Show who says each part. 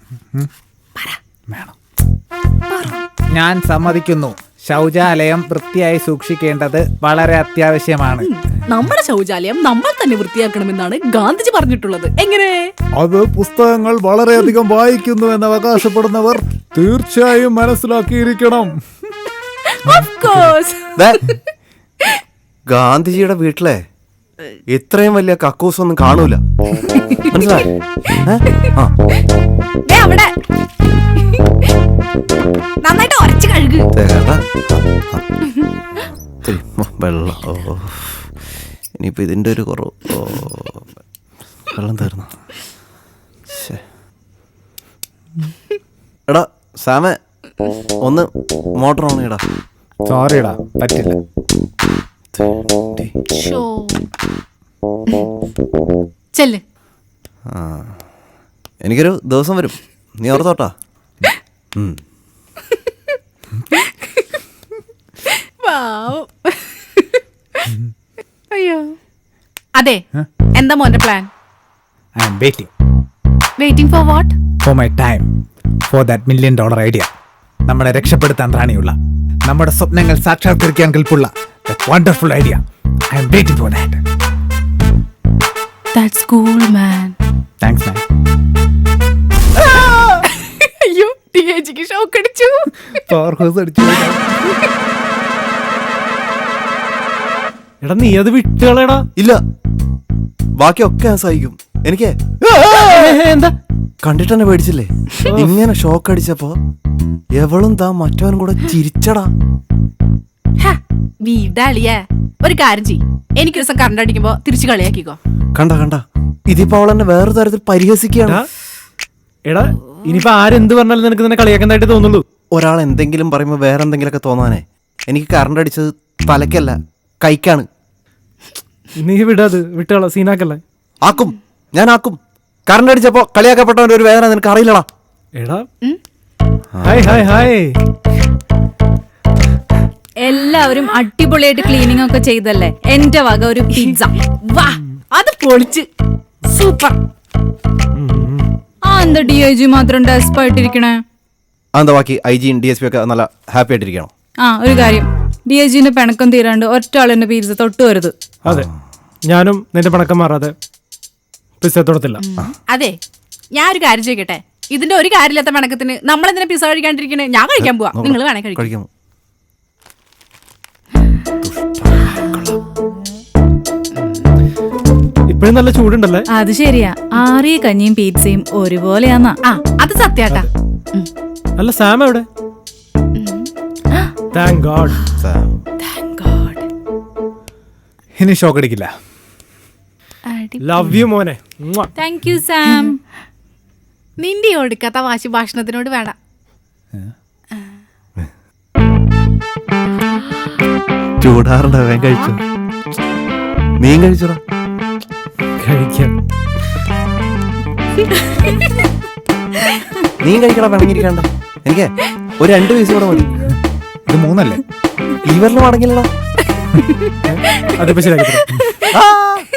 Speaker 1: വേണം. ഞാൻ സമ്മതിക്കുന്നു. ശൗചാലയം വൃത്തിയായി സൂക്ഷിക്കേണ്ടത് വളരെ അത്യാവശ്യമാണ്.
Speaker 2: നമ്മുടെ ശൗചാലയം നമ്മൾ തന്നെ വൃത്തിയാക്കണമെന്നാണ് ഗാന്ധിജി പറഞ്ഞിട്ടുള്ളത്. എങ്ങനെ?
Speaker 1: അത് പുസ്തകങ്ങൾ വളരെയധികം വായിക്കുന്നു എന്ന് അവകാശപ്പെടുന്നവർ തീർച്ചയായും മനസ്സിലാക്കിയിരിക്കണം.
Speaker 3: ഗാന്ധിജിയുടെ വീട്ടിലെ ഇത്രയും വലിയ കക്കൂസ് ഒന്നും കാണൂല. മനസ്സിലായി?
Speaker 2: നന്നായിട്ട് ഉരച്ച് കഴുകു.
Speaker 3: വെള്ളം. ഇനിയിപ്പോ ഇതിന്റെ ഒരു കുറവ്. വെള്ളം തീർന്നു. എടാ സാമ, ഒന്ന് മോട്ടർ ഓൺ ചെയ്യടാ.
Speaker 1: സോറിടാ, പറ്റില്ല.
Speaker 2: ചെല്ല്.
Speaker 3: എനിക്കൊരു ദിവസം വരും, നീ ഓർത്തോട്ടാ.
Speaker 2: അയ്യോ, അതെ, എന്താ മോന്റെ plan?
Speaker 1: I am waiting.
Speaker 2: Waiting for what?
Speaker 1: For my time, for that $1 million idea. നമ്മളെ രക്ഷപ്പെടുത്താൻ റാണിയുള്ള, നമ്മുടെ സ്വപ്നങ്ങൾ സാക്ഷാത്കരിക്കാൻ കൽപ്പുള്ള that wonderful idea. I am waiting for that.
Speaker 2: That's cool, man.
Speaker 1: Thanks, man.
Speaker 2: അയ്യോ, ടിഎജിക്ക് ഷോക്ക് അടിച്ചു.
Speaker 1: പവർ ഹൗസ് അടിച്ചു.
Speaker 4: എടാ നീ അത് വിട്ടുകളടാ.
Speaker 3: ഇല്ല, ബാക്കിയൊക്കെ ഞാൻ സഹിക്കും. എനിക്ക്
Speaker 4: എന്താ
Speaker 3: കണ്ടിട്ട് തന്നെ പേടിച്ചില്ലേ? ഇങ്ങനെ ഷോക്ക് അടിച്ചപ്പോ എവളും താ മറ്റവനും കൂടെ ചിരിച്ചടാ.
Speaker 2: വീടാളിയേ, ഒരു കാര്യം ചെയ്യ്, എനിക്ക് ദിവസം കറണ്ട് അടിക്കുമ്പോ തിരിച്ചു കളിയാക്കിക്കോ.
Speaker 3: കണ്ട ഇതിപ്പോ അവൾ എന്നെ വേറെ തരത്തിൽ പരിഹസിക്കുകയാണ്.
Speaker 4: എടാ ഇനിയിപ്പോ ആരെന്ത് പറഞ്ഞാലും നിനക്ക് തന്നെ കളിയാക്കുന്നതായിട്ട് തോന്നുള്ളൂ.
Speaker 3: ഒരാൾ എന്തെങ്കിലും പറയുമ്പോ വേറെ എന്തെങ്കിലുമൊക്കെ തോന്നാനേ. എനിക്ക് കറണ്ട് അടിച്ചത് തലക്കല്ല, കൈക്കാണ്.
Speaker 4: നീ വിടാത്, വിട്ടുകള, സീനാക്കല്ലേ.
Speaker 3: ആക്കും, ഞാൻ ആക്കും. കറണ്ട് അടിച്ചപ്പോ കളിയാക്കപ്പെട്ടവന്റെ ഒരു വേദന നിനക്ക് അറിയില്ലടാ.
Speaker 4: എടാ ഹായ് ഹായ് ഹായ്.
Speaker 5: എല്ലാവരും അടിപൊളിയായിട്ട് ക്ലീനിങ് ഒക്കെ ചെയ്തല്ലേ? എന്റെ വക ഒരു പിസ്സ.
Speaker 2: വാ, അത് പൊളിച്ച് സൂപ്പർ.
Speaker 5: ആ എന്താ DIG മാത്രം ഡെസ്പായിട്ടിരിക്കണേ?
Speaker 3: അതെന്താ ബാക്കി IG DSP ഒക്കെ നല്ല ഹാപ്പി ആയിട്ടിരിക്കണം?
Speaker 5: ആ ഒരു കാര്യം, DIGന്റെ പിണക്കം തീരാണ്ട് ഒറ്റ ആളിന്റെ പിസ്സ തൊട്ട് വരുത്.
Speaker 4: അതെ, ഞാനും നിന്റെ പിണക്കം മാറാതെ പിസ്സ തൊടത്തില്ല.
Speaker 2: അതെ, ഞാൻ ഒരു കാര്യം ചോദിക്കട്ടെ, ഇതിന്റെ ഒരു കാര്യമില്ലാത്ത പിണക്കത്തിന് നമ്മളെന്തിനാ പിസ്സ കഴിക്കാണ്ടിരിക്കണേ? ഞാൻ കഴിക്കാൻ പോവാ, നിങ്ങൾ വേണേ കഴിക്കാം.
Speaker 4: ഇപ്പഴും നല്ല ചൂടുണ്ടല്ലേ?
Speaker 5: അത് ശരിയാ, ആറിയ കഞ്ഞിയും പിസ്സയും ഒരുപോലെയാന്നാ.
Speaker 2: ആ അത് സത്യാട്ടാ.
Speaker 4: അല്ല സാം എവിടെ? Thank god.
Speaker 1: ഇനി ഷോക്ക് അടിക്കില്ല.
Speaker 4: ലവ് യു മോനെ.
Speaker 5: Thank you Sam.
Speaker 2: നിന്റെ ഒടുക്കാത്ത വാശി ഭാഷണത്തിനോട് വേണ്ട.
Speaker 3: ചൂടാറുണ്ടോ? വേഗം കഴിച്ചു. നീ കഴിച്ചോടാ.
Speaker 4: കഴിക്കാം.
Speaker 3: നീ കഴിക്കടാ, പിണങ്ങിരിക്കണ്ട. എനിക്ക് ഒരു 2 പീസ് കൂടെ മതി.
Speaker 1: ഇത് 3 അല്ലേ?
Speaker 3: ഇവരിലും അടങ്ങില്ലടാ.
Speaker 4: അതിപ്പോ ശരിയാക്കി.